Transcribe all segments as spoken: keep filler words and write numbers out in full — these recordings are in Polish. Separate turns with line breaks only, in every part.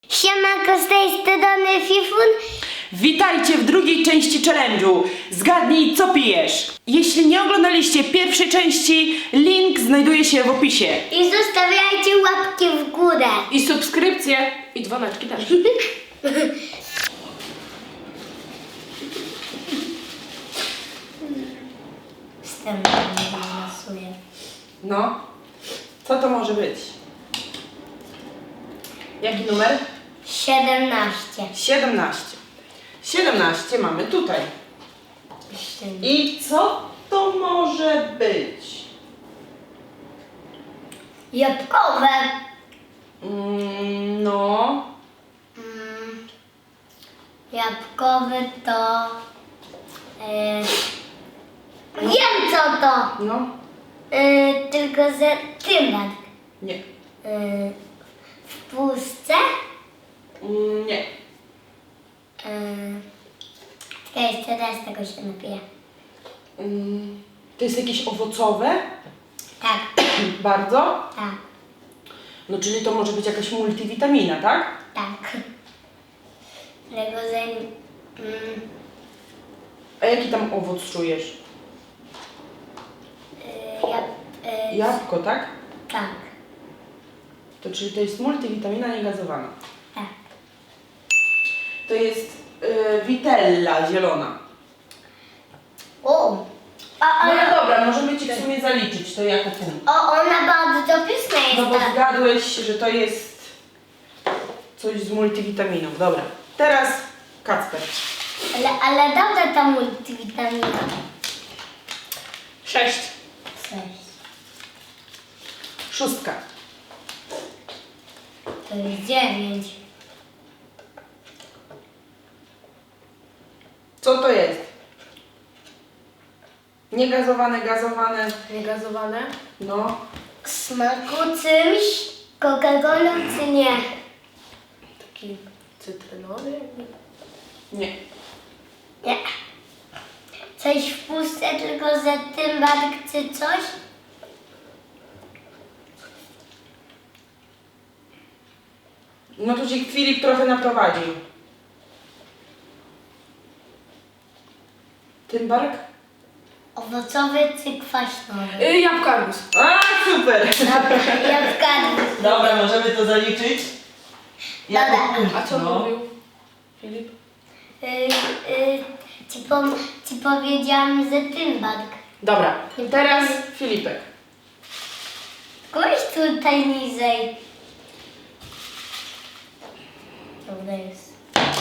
Siemanko, z tej strony Fifun.
Witajcie w drugiej części challenge'u. Zgadnij, co pijesz. Jeśli nie oglądaliście pierwszej części, link znajduje się w opisie.
I zostawiajcie łapki w górę.
I subskrypcje. I dzwoneczki też.
Wstępnie nie losuję.
No, co to może być? Jaki numer?
siedemnaście.
siedemnaście. siedemnaście mamy tutaj. I co to może być?
Jabłkowe.
Mm, no,
Mm, jabłkowe to... E, wiem co to.
no,
E, tylko że tymak.
nie.
E, w puszce.
Mm, nie.
E, czekaj, jeszcze raz tego się napiję.
Mm, to jest jakieś owocowe?
Tak,
Bardzo?
tak,
No, czyli to może być jakaś multivitamina, tak?
tak. Dlatego, że... Mm,
A jaki tam owoc czujesz?
e, jab, e,
Jabłko, tak?
tak,
To czyli to jest multivitamina niegazowana.
tak.
To jest y, Vitella zielona.
O! A,
No
ale,
ale dobra, możemy Ci w sumie zaliczyć to jako punkt.
o, ona bardzo pyszna jest.
No bo
ta.
zgadłeś, że to jest coś z multivitaminą. Dobra, teraz Kacper.
Ale, ale dobra ta multivitamina.
Sześć.
Sześć.
Szóstka.
To jest dziewięć.
Co to jest? Niegazowane, gazowane.
Niegazowane.
No.
Smaku czymś? Coca-Colą czy nie?
Taki cytrynowy.
Nie.
Nie. Coś w puszce, tylko że tymbark czy coś?
No to Ci Filip trochę naprowadził. Tymbark?
Owocowy czy kwaśnowy?
Y, jabłko arbuz.
A, super!
Dobra, ja zgadnę.
Dobra, możemy to zaliczyć. Jako
Dobra.
punkt,
A co
no.
mówił Filip?
Y, y, ci, pom- ci powiedziałam, że tymbark.
Dobra, teraz Filipek.
Kogoś tutaj niżej. Dobra jest.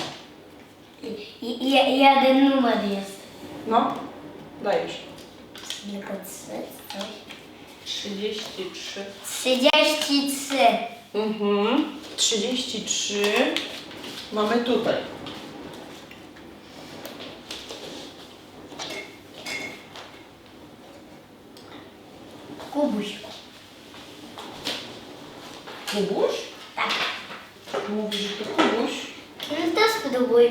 I, i, i, jeden numer jest.
No, dajesz.
Tylko trzy, coś.
trzydzieści trzy.
Trzydzieści trzy.
Mhm. trzydzieści trzy. Mamy tutaj.
Kubuś.
Kubuś?
Tak.
Mówisz, że to Kubuś?
No to spróbuj.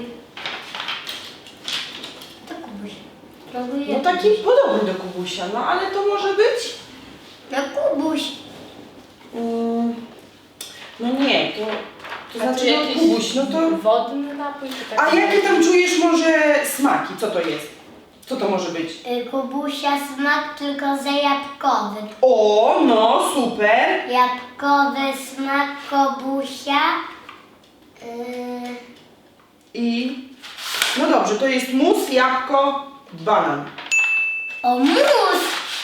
To Kubuś. Próbuję.
No taki podobny do Kubusia, no ale to może być?
No Kubuś.
Mm, no nie, to, to
A
znaczy
czy
no,
jakiś
Kubuś, no to...
Wodny napój czy
A
taki?
jakie tam czujesz może smaki? Co to jest? Co to może być?
Y, Kubusia smak tylko za jabłkowy.
O, no super!
Jabłkowy smak Kubusia. Yy,
I... No dobrze, to jest mus, jabłko, banan.
o mus!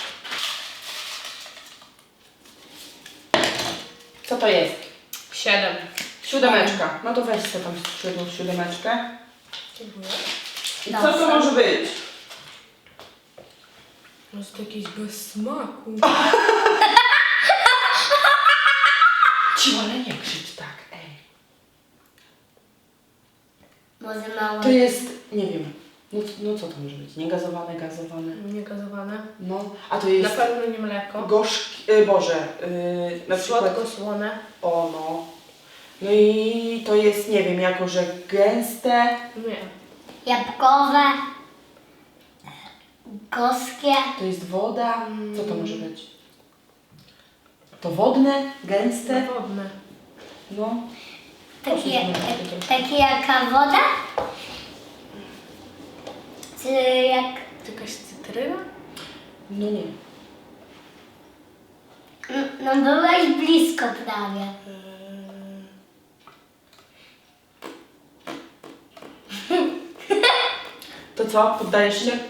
Co to jest?
Siedem.
Siódemeczka. No to weź sobie tam siódmą siódemeczkę.
Dziękuję.
I co to może być?
Może to jakieś bez smaku.
Ciu, ale nie krzycz tak, ej.
Może mała.
To jest, nie wiem, no, no co to może być? Niegazowane, gazowane.
Niegazowane.
No, a to
Na
jest
pewno nie mleko.
gorzki, y, Boże, y, na przykład,
Słodko-słone.
o no. No i to jest, nie wiem, jako że gęste,
Nie.
Jabłkowe. Gorzkie.
to jest woda, co to może być? To wodne, gęste,
Wodne.
no.
Taki, jak- taki jaka woda? Czy jak...
Jakaś cytryna?
No nie.
No byłeś blisko prawie.
To co? Poddajesz się?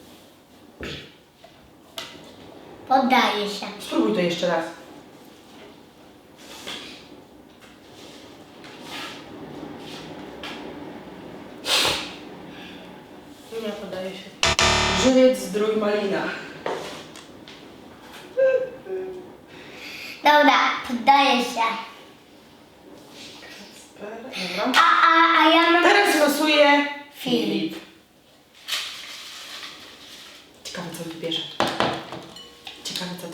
Poddaję się.
Spróbuj to jeszcze raz.
Nie podaje się.
Żywiec, zdrój, malina.
Dobra, poddaję się.
Dobra.
A, a, a ja mam...
Teraz losuje
Filip.
Ciekawe co wybierze. Ciekawe co to.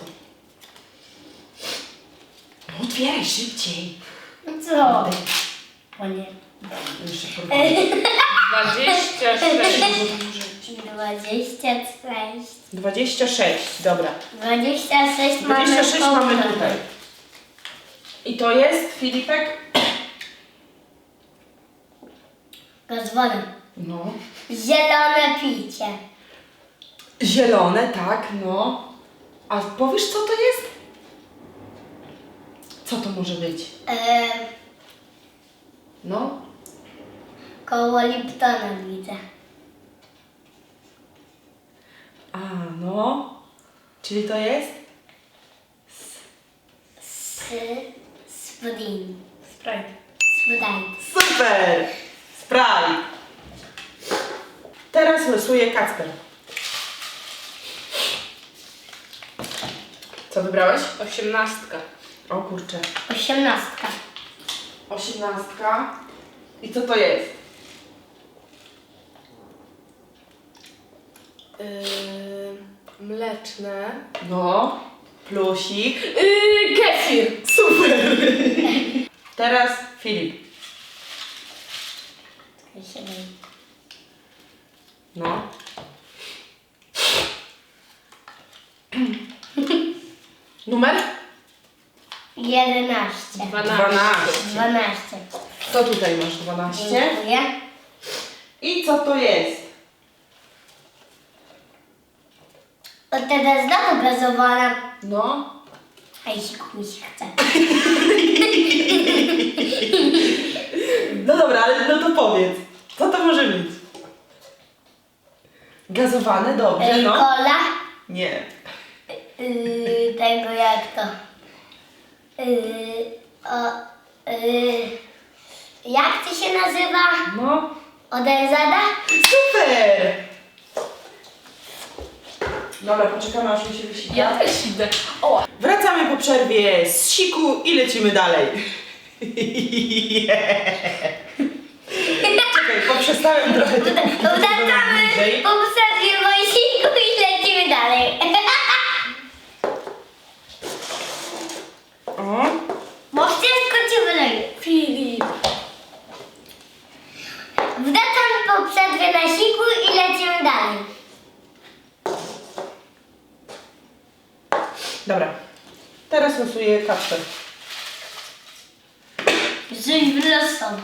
No, otwieraj szybciej.
No co? O nie.
Jeszcze próbuję.
dwadzieścia sześć.
dwadzieścia sześć.
dwadzieścia sześć, dobra.
dwadzieścia sześć mamy
dwadzieścia sześć mamy
połowę.
tutaj. I to jest, Filipek?
Gaz woda.
No.
Zielone picie.
Zielone, tak, no. A powiesz co to jest? Co to może być?
E,
No.
koło Liptona widzę.
A, no. Czyli to jest?
S... Spring.
Sprite.
Sprite.
Super! Sprite. Teraz losuje Kacper. Co wybrałeś?
Osiemnastka.
O kurczę.
Osiemnastka.
Osiemnastka. I co to jest?
Yy, mleczne.
No. Plusik.
Yy, kefir.
Super! Teraz Filip. No. Numer?
jedenaście.
Dwanaście.
dwanaście.
To tutaj masz dwanaście.
Dziękuję.
I co to jest?
O, teraz znowu gazowana.
No.
A jeśli komuś chce.
No dobra, ale no to powiedz. Co to może być? Gazowane, dobrze,
Ej,
no.
Cola.
Nie.
Yy, tego jak to. Yy, o, yy, jak ty się nazywa?
No.
Odezada?
Super! Dobra, poczekamy aż mi się wysika.
Ja też idę. O,
Wracamy po przerwie z siku i lecimy dalej. Czekaj, poprzestałem trochę tylko.
Wracamy
bliżej.
po przerwie wojsku i lecimy dalej.
O,
Bo wszystko ci wyleje.
Filip.
Wracamy po przerwie na siku i lecimy dalej.
dobra. Teraz losuję Kacper.
Żyj wylosową.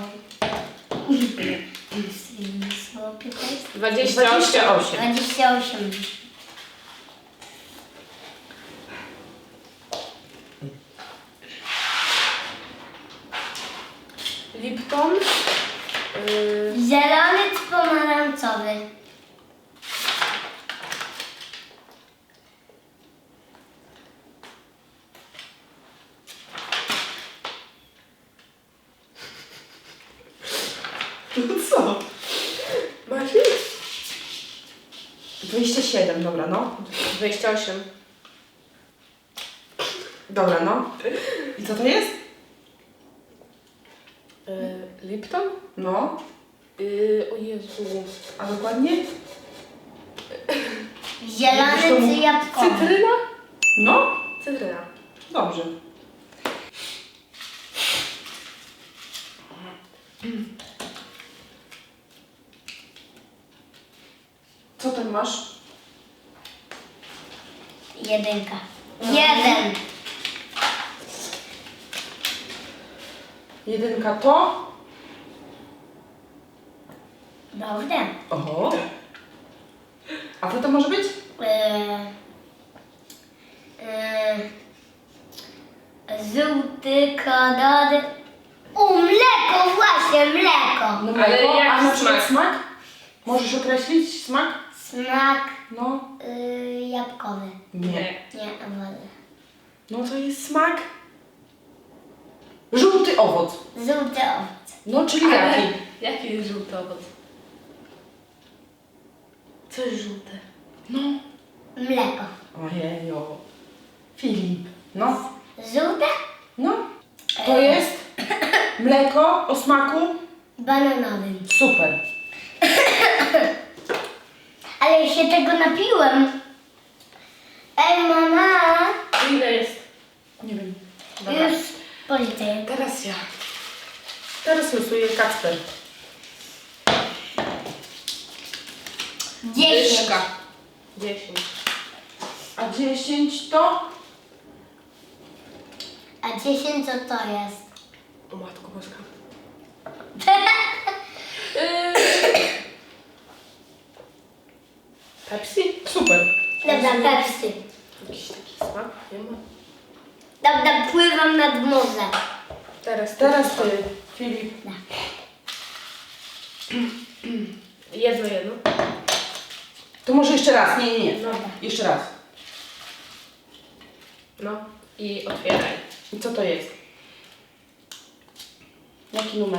Dwadzieścia
dwadzieścia
osiem.
osiem.
dwadzieścia osiem.
Lipton. Yy,
Zielony czy pomarańczowy?
No co?
masz?
dwadzieścia siedem, dobra, no.
dwadzieścia osiem.
Dobra, no. I co to jest?
Yy, Lipton?
No.
Yy, o Jezu.
A dokładnie?
Zielony czy jabłkowy?
Cytryna?
No.
Cytryna.
Dobrze. Co tam masz?
Jedynka. Jeden.
Jedynka to?
Dobre.
Oho. A co to może być?
Eee, eee, żółty kolor. U, mleko, właśnie, mleko.
No
Ale
mleko,
jaki
a na przykład
smak?
smak? Możesz określić smak?
Smak
No.
yy, jabłkowy.
Nie.
Nie, owoce.
No to jest smak. Żółty owoc.
Żółty owoc.
No, czyli
Ale
jaki?
jaki jest żółty owoc? Co jest żółte?
No.
Mleko.
Ojejo. Filip. No.
Żółte?
No. To jest mleko o smaku.
Bananowym.
Super.
Ale się tego napiłem. Ej, mama.
Ile jest?
Nie wiem.
Dobra.
Już policzę.
Teraz ja.
Teraz losuje Kacper.
Dziesięć.
Dyszka. Dziesięć.
A dziesięć to?
A dziesięć co to jest?
O matko boska. Pepsi?
Super.
Dobra, Pepsi.
Jakiś taki smak? Nie ma.
Dobra, pływam nad morzem.
Teraz,
Teraz ty, Filip.
Jedno, jedno.
To może jeszcze raz. Nie, nie, nie.
No.
Jeszcze raz.
No. I otwieraj.
I co to jest? Jaki numer?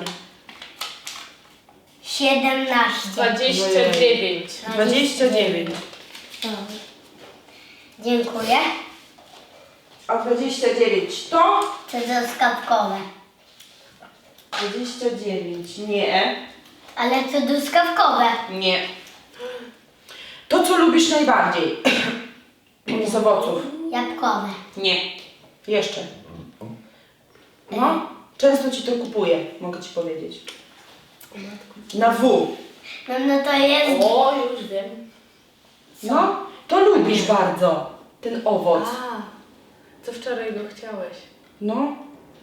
siedemnaście.
Dwadzieścia dziewięć.
dwadzieścia dziewięć.
Dobra. Dziękuję.
A dwadzieścia dziewięć to?
To truskawkowe.
dwadzieścia dziewięć. Nie.
Ale to truskawkowe.
Nie. To, co lubisz najbardziej z owoców?
Jabłkowe.
Nie. Jeszcze. No, często ci to kupuję, mogę ci powiedzieć.
O matko.
Na W.
No, no to jest...
O, już wiem.
No, to lubisz bardzo ten owoc.
A, co wczoraj go chciałeś?
No.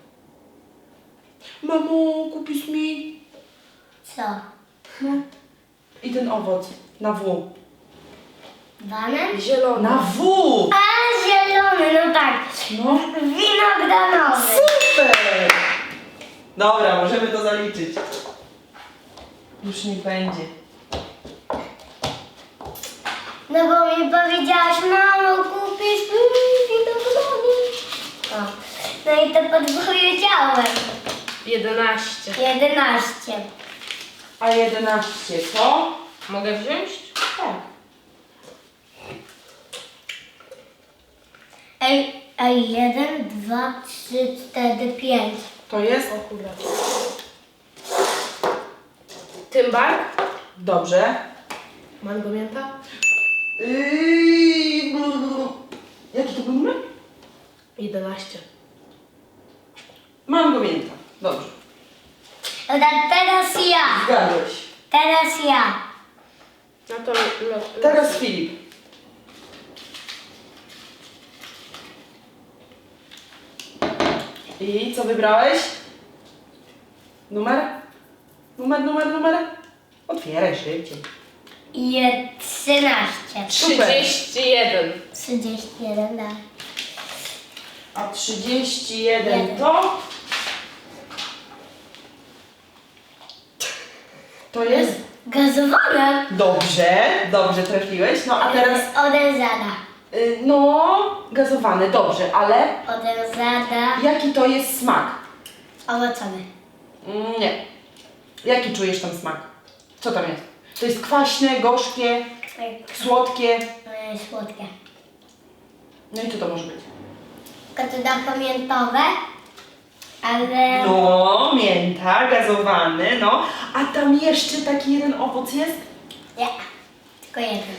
Mamo, kupisz mi?
Co?
No. I ten owoc. Na W.
Banan?
Zielony.
Na W!
A, zielony, no tak.
No.
Winogranowy.
Super! Dobra, możemy to zaliczyć. Już nie będzie.
No bo mi powiedziałaś, mamo, kupisz mi winogrony. O. No i to podpowiedziałem.
jedenaście.
jedenaście.
A jedenaście to?
Mogę wziąć?
Tak.
Ej, ej, jeden, dwa, trzy, cztery, pięć.
To jest?
O kurde. Tymbar?
Dobrze.
Mango mięta?
Yy, blu, blu, blu. Jaki to był numer?
jedenaście.
Mango mięta. Dobrze.
Dobra, teraz ja.
Zgadłeś.
Teraz ja.
No to lo, lo,
Teraz Filip. I co wybrałeś? Numer? Numer, numer, numer? Otwieraj szybciej.
I trzynaście.
trzydzieści jeden.
trzydzieści jeden, tak.
A trzydzieści jeden
Jeden.
to? To jest?
Gazowane.
Dobrze, dobrze trafiłeś. No a teraz,
Odezada.
y, no, gazowane, dobrze, ale
Odezada.
jaki to jest smak?
Owocowy.
Mm, Nie. Jaki czujesz tam smak? Co tam jest? To jest kwaśne, gorzkie, słodkie.
E, Słodkie.
No i co to może być?
Katuda pamiętowe. Ale...
No, mięta, gazowany, no. A tam jeszcze taki jeden owoc jest?
Nie. Tylko jeden.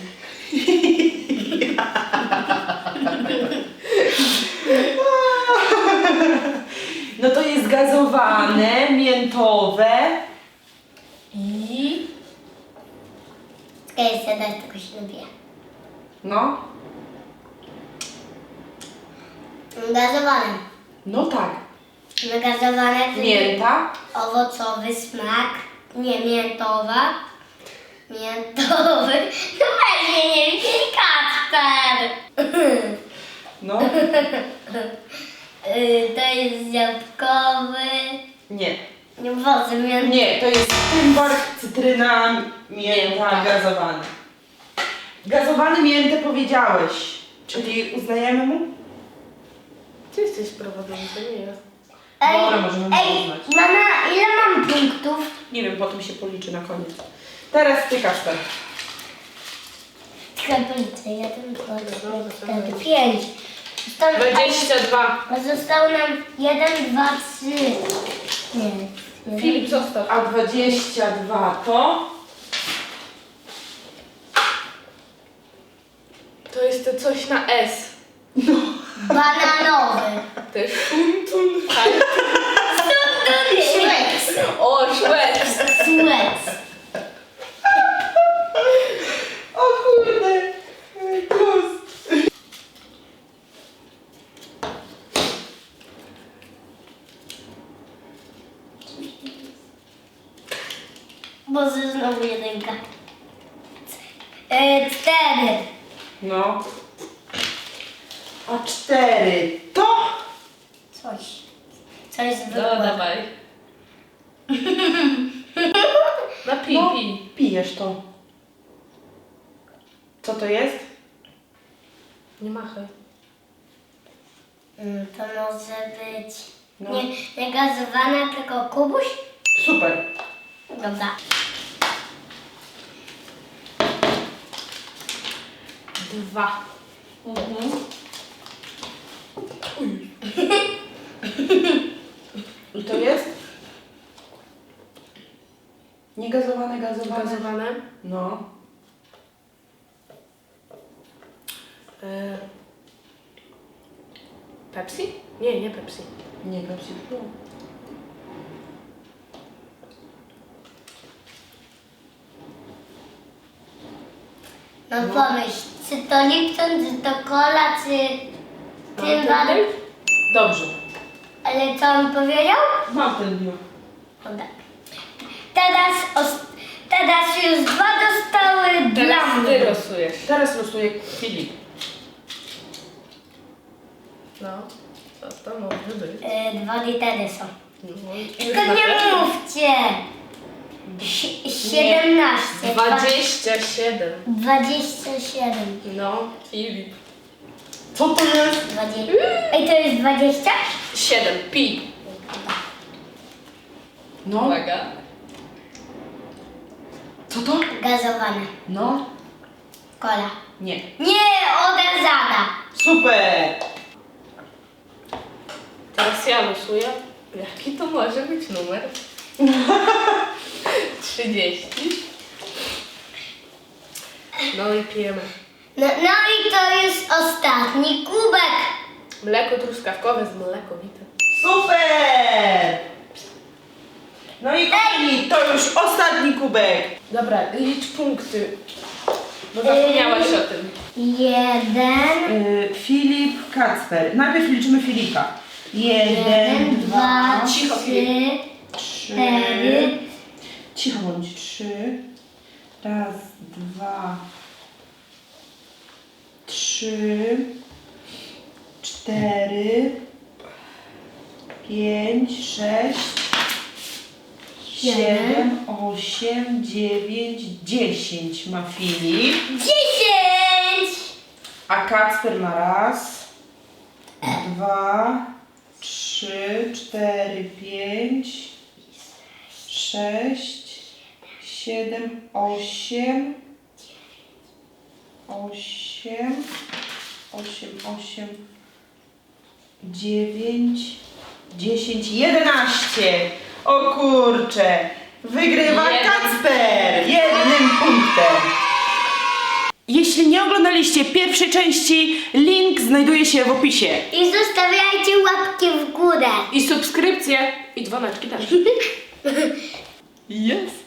No to jest gazowane, miętowe i...
Czekaj, jeszcze dać, tylko się lubię.
No,
Gazowane.
no tak.
No gazowane to
Mięta,
owocowy smak. Nie, miętowa. Miętowy. No właśnie nie wiem, Kacper.
No.
Y, to jest jabłkowy.
Nie.
Nie wozy miętowy.
Nie, to jest tymbark, cytryna, mięta,
Mięta.
gazowany. Gazowany miętę powiedziałeś, czyli uznajemy mu?
Ty jesteś prowadzący, nie ja.
Dobra, możemy
ej,
uznać.
mama, ile mam punktów?
Nie wiem, potem się policzy na koniec. Teraz ty, Kacper.
Czekaj, policzę. Jeden, dwa, trzy,
Dobra,
cztery,
dobra.
pięć. Zostało,
dwadzieścia dwa.
a zostało nam jeden, dwa, trzy. Nie. jeden.
Filip, zostaw.
A dwadzieścia dwa to?
To jest to coś na S.
Bananowy.
To jest szuntun.
Szwec.
O, Szwec.
Szwec.
O kurde! Plus.
Boże, znowu jedynka. E, cztery.
No. A cztery to?
Coś. Coś
No,
zwykłego.
dawaj. Na pi,
No,
pi.
pijesz to. Co to jest?
Nie machaj.
Mm, to może być
No.
nie, nie gazowana, tylko kubuś?
Super.
Dobra.
Dwa.
Mhm. I to jest? Niegazowane, gazowane.
Gazowane.
No.
E... Pepsi? Nie, nie Pepsi.
Nie, Pepsi.
No, pomyśl, czy to Lipton, czy to Cola, czy
Mam
tym
ten
bardziej.
dyk?
Dobrze.
Ale co on powiedział?
Mam ten biur.
Dobra. Teraz, os, teraz już dwa dostały dla
Teraz ty
mnie.
losujesz.
Teraz losuję Filip.
No. Co to może być?
E, dwa litery są.
No,
Tylko nie mówcie. Si- siedemnaście.
Dwadzieścia siedem.
Dwadzieścia siedem.
No, Filip.
Co to jest?
Dwadzieścia. Ej, to jest dwadzieścia?
Siedem. Pi.
No.
Uwaga.
Co to?
Gazowane.
No.
Cola.
Nie.
Nie, odezada.
Super.
Teraz ja losuję. Jaki to może być numer? trzydzieści. No i pijemy.
No, no i to jest ostatni kubek.
Mleko truskawkowe z mlekowitym.
Super. No i kochani, to już ostatni kubek.
Dobra, licz punkty. Bo zapomniałaś o tym.
Jeden,
Y, Filip, Kacper. Najpierw liczymy Filipa. Jeden,
jeden, dwa,
Cicho,
trzy,
Filip. Trzy.
cztery.
Cicho bądź. Trzy. Raz, dwa, trzy, cztery, pięć, sześć, siedem, osiem, dziewięć, dziesięć ma Filip.
dziesięć.
A Kacper ma raz, dwa, trzy, cztery, pięć, sześć, siedem, osiem, osiem, osiem, osiem, dziewięć, dziesięć, jedenaście. O kurcze, wygrywa
Jeden.
Kacper jednym punktem. Jeśli nie oglądaliście pierwszej części, link znajduje się w opisie.
I zostawiajcie łapki w górę.
I subskrypcje. I dzwoneczki też.
Jest.